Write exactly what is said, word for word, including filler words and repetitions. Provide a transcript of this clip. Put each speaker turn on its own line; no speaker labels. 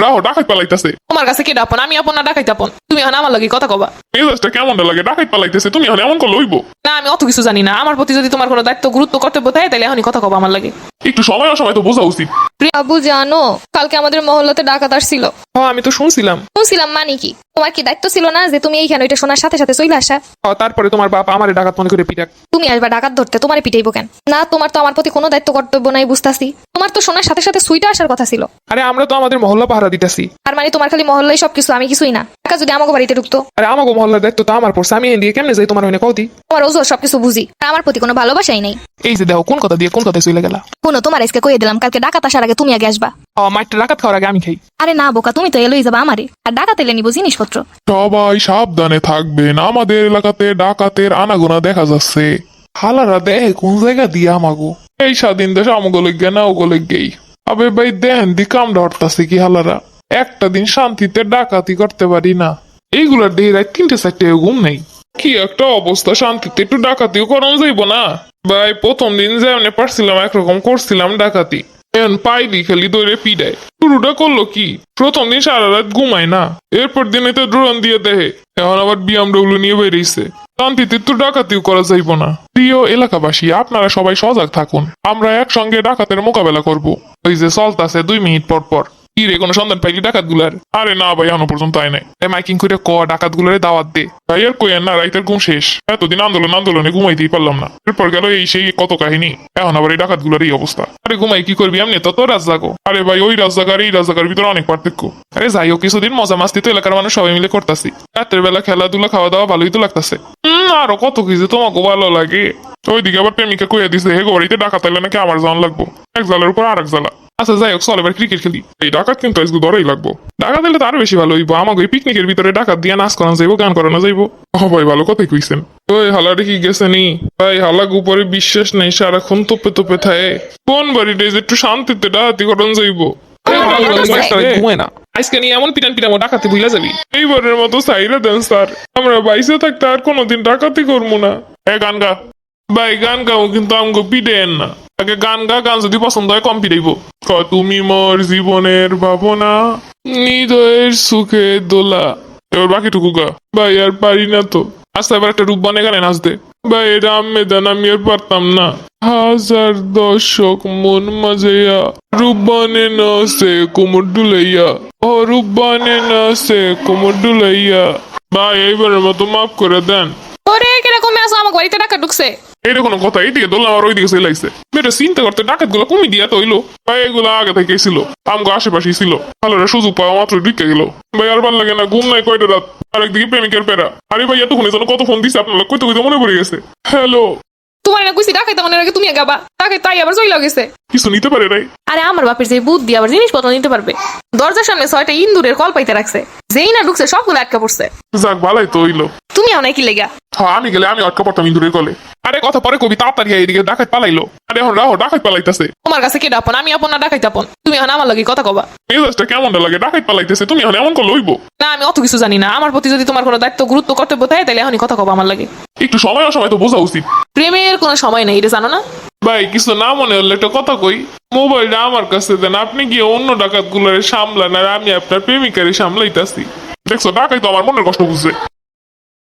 রাহো ডাকাত পালাইতেছে।
তোমার কাছে কে আপন? আমি আপন না ডাকাইতে আপন? তুমি এখন আমার লাগে কথা কবা।
মেজাজটা কেমন লাগে? ডাকাত পালাইতেছে, তুমি এখন এমন করে লইব?
না, আমি অত কিছু জানি না। আমার প্রতি যদি তোমার কোনো দায়িত্ব গুরুত্ব কর্তব্য থাকে তাহলে এখনই কথা কবা আমার লাগে।
একটু সময় অসময় তো বোঝা উচিত।
আবু জানো, কালকে আমাদের মহল্লাতে ডাকাত আসছিল।
হ্যাঁ, আমি তো শুনছিলাম।
শুনছিলাম মানে কি? তোমার কি দায়িত্ব ছিল না যে তুমি এইখানে ওইটা শোনার সাথে সাথে চলে আসা?
হ্যাঁ, তারপরে তোমার বাপ আমারে ডাকাত মনে করে পিটাক।
তুমি আসবা ডাকাত ধরতে, তোমারে পিটাইবো কেন? না, তোমার তো আমার প্রতি কোনো দায়িত্ব কর্তব্য নাই, বুঝতাছি। তোমার তো শোনার সাথে সাথে সুইটা আসার কথা ছিল।
আরে আমরা তো আমাদের মহল্লা পাহারা দিতেছি।
আর মানে তোমার খালি মহল্লাই সবকিছু, আমি কিছুই না। টাকা যদি আমাকে বাড়িতে ঢুকতো।
আরে আমাকে মহল্লার দায়িত্ব তো আমার পড়ছে, আমি এদিকে কেমনে যাই তোমার হইনে কৌদি?
তোমার ওজোর সবকিছু বুঝি, আর আমার প্রতি কোনো ভালোবাসাই নেই।
এই যে দেখো কোন কথা দিয়ে কোন কথা চলে গেলা।
কোনো তোমার আজকে কইয়ে দিলাম, কালকে ডাকাত আসার আগে তুমি আগে আসবা।
ও মাইটটা ডাকাত খাওয়ার আগে আমি খাই।
আরে না বোকা, তুমি তো এলোই যাবা আমারে, আর ডাকাত এলে নিবো জিনিসপত্র।
সবাই সাবধানে থাকবেন, আমাদের এলাকাতে ডাকাতের আনাগোনা দেখা যাচ্ছে। হালারা দেয় কোন জায়গা দিয়ে আমাগো এই স্বাধীন দেশ আমাগো লেগে না ওগো লেগেই। আবে ভাই দেন দি কামড়া হরতাছে কি হালারা। একটা দিন শান্তিতে ডাকাতি করতে পারি না, এইগুলার দেহে রাত তিনটে চারটে ঘুম নেই। কি একটা অবস্থা, শান্তিতে একটু ডাকাতিও করানো যাইব না? ভাই প্রথম দিন যেমন পারছিলাম একরকম করছিলাম ডাকাতি, এখন পাইলি খালি দৌড়ে পিডায়। শুরুটা করলো কি, প্রথম দিন সারা রাত ঘুমায় না, এরপর দিনে তো ড্রোন দিয়ে দেহে, এখন আবার বিএমডব্লিউ নিয়ে বেরিয়েছে। শান্তিতে তো ডাকাতিও করা যাইব না। প্রিয় এলাকাবাসী, আপনারা সবাই সজাগ থাকুন, আমরা একসঙ্গে ডাকাতের মোকাবেলা করব। ওই যে চলতাছে দুই মিনিট পর পর। কি রে, কোনো সন্ধান পাইলি ডাকাত গুলার? আরে না ভাই, এখনো পর্যন্ত আয় নাই। মাইকিং করে ক ডাকাত গুলারে দাওয়াত দে ভাই। আর কই না, রাইতের ঘুম শেষ। এতদিন আন্দোলন আন্দোলনে ঘুমাইতেই পারলাম না, এরপর গেল এই সেই কত কাহিনী, এখন আবার এই ডাকাত গুলার এই অবস্থা। আরে ঘুমাই কি করবি, এমনি তো তোর রাজ জাগো। আরে ভাই ওই রাজ জাগার এই রাজ জাগার ভিতরে অনেক পার্থক্য। আরে যাই হোক, কিছুদিন মজা মাস্তি তো এলাকার মানুষ সবাই মিলে করতেছি। রাতের বেলা খেলাধুলা খাওয়া দাওয়া ভালোই তো লাগতেছে। হম আরো কত কিছু তোমাকে ভালো লাগে। ওইদিকে আবার প্রেমিকা কইয়া দিছে হে বাড়িতে ডাকাত আইলে নাকি আমার জান লাগবো, এক জালের উপর আর এক জালা। আচ্ছা যাই হোক, চল এবার ক্রিকেট খেলি। এই ডাকাত কিন্তু আজকে ধরেই লাগবো। ডাকাত দিলে তো আরো বেশি ভালো হইব। আমাকে ওই পিকনিকের ভিতরে ডাকাত দিয়ে নাচ করানো যাইব, গান করানো যাইব। ও ভাই ভালো কথাই কইছেন। ওই হালা দেখি গেছে নি ভাই, হালাক উপরে বিশ্বাস নেই, সারাক্ষণ তোপে তোপে থাকে। কোন বাড়িটা যে একটু শান্তিতে ডাকাতি করানো যাইব।
ঘুমায় না আজকে নিয়ে এমন পিটান পিটামো ডাকাতি ভুলে যাবি।
এইবারের মতো সাইরা দেন স্যার, আমরা বাইসে থাকতে আর কোনোদিন ডাকাতি করবো না। এ গান গা ভাই, গান গাও কিন্তু আমাকে পিটেন না। আগে গান গা, গান যদি পছন্দ হয় কম পিটাইব। ক তুমি মোর জীবনের ভাবনা, হৃদয়ের সুখে দোলা। এবার বাকিটুকু গা ভাই, আর পারি না তো। আচ্ছা এবার একটা রূপ বানে গানে নাচ দে ভাই। এটা আমি দেন, আমি আর পারতাম না। হাজার দর্শক মন মাঝেয়া, রূপ বানে নাচে কোমর ডুলাইয়া, ও রূপ বানে নাচে কোমর ডুলাইয়া। ভাই এইবারের মতো মাফ করে দেন।
ওরে কিরকম আসো, আমার বাড়িতে ডাকাত ঢুকছে।
এটা কোনো কথা? এইদিকে দোলনা আর ওইদিকে চলে লাগছে। এটা চিন্তা করতে ডাকাত গুলো কমে দিয়া তো হইলো ভাই, এগুলো আগে থেকে ছিল, আমগো আশেপাশেই ছিল। ভালো সুযোগ পাওয়া মাত্র ঢুকে গেল ভাই। আর ভাল লাগে না, ঘুম নাই কয়টা রাত, আর একদিকে প্রেমিকের পেরা। আরে ভাই এতক্ষণে যেন কত ফোন দিছে আপনার, কইতে কইতে মনে পড়ে গেছে। হ্যালো,
তোমার না কইছি ডাকাইতে মনে রাখে, তুমি গাবা ডাকাই, তাই আবার চইলা গেছে।
কিছু নিতে পারে নাই?
আরে আমার বাপের যে বুদ্ধি, আবার জিনিসপত্র নিতে পারবে। দরজার সামনে ছয়টা ইন্দুরের কল পাইতে রাখছে, যেই না ঢুকছে সবগুলো আটকা পড়ছে।
যাক ভালাই তো হইলো।
তুমি অনেক কি লেগা?
হ্যাঁ আমি গেলে আমি আটকা পড়তাম ইন্দুরের কলে। আরে কথা পরে কবি, তাড়াতাড়ি এইদিকে ডাকাত পালাইলো। আরে এখন রাহো ডাকাত পালাইতেছে।
তোমার কাছে কে আপন? আমি আপন না ডাকাইতে আপন? তুমি এখন আমার লাগে কথা কবা।
মেজাজটা কেমন লাগে? ডাকাত পালাইতেছে, তুমি এখন এমন করে লইব?
না, আমি অত কিছু জানি না। আমার প্রতি যদি তোমার কোনো দায়িত্ব গুরুত্ব কর্তব্য থাকে তাহলে এখনই কথা কবা আমার লাগে।
একটু সময় অসময় তো বোঝা উচিত।
প্রেমের কোনো সময় নেই, এটা জানো না?
ভাই কিছু না মনে হলে একটা কথা কই, মোবাইলটা আমার কাছে দেন, আপনি গিয়ে অন্য ডাকাত গুলারে সামলান, আর আমি আপনার প্রেমিকারে সামলাইতাছি। দেখছো ডাকাই তো আমার মনের কষ্ট বুঝছে।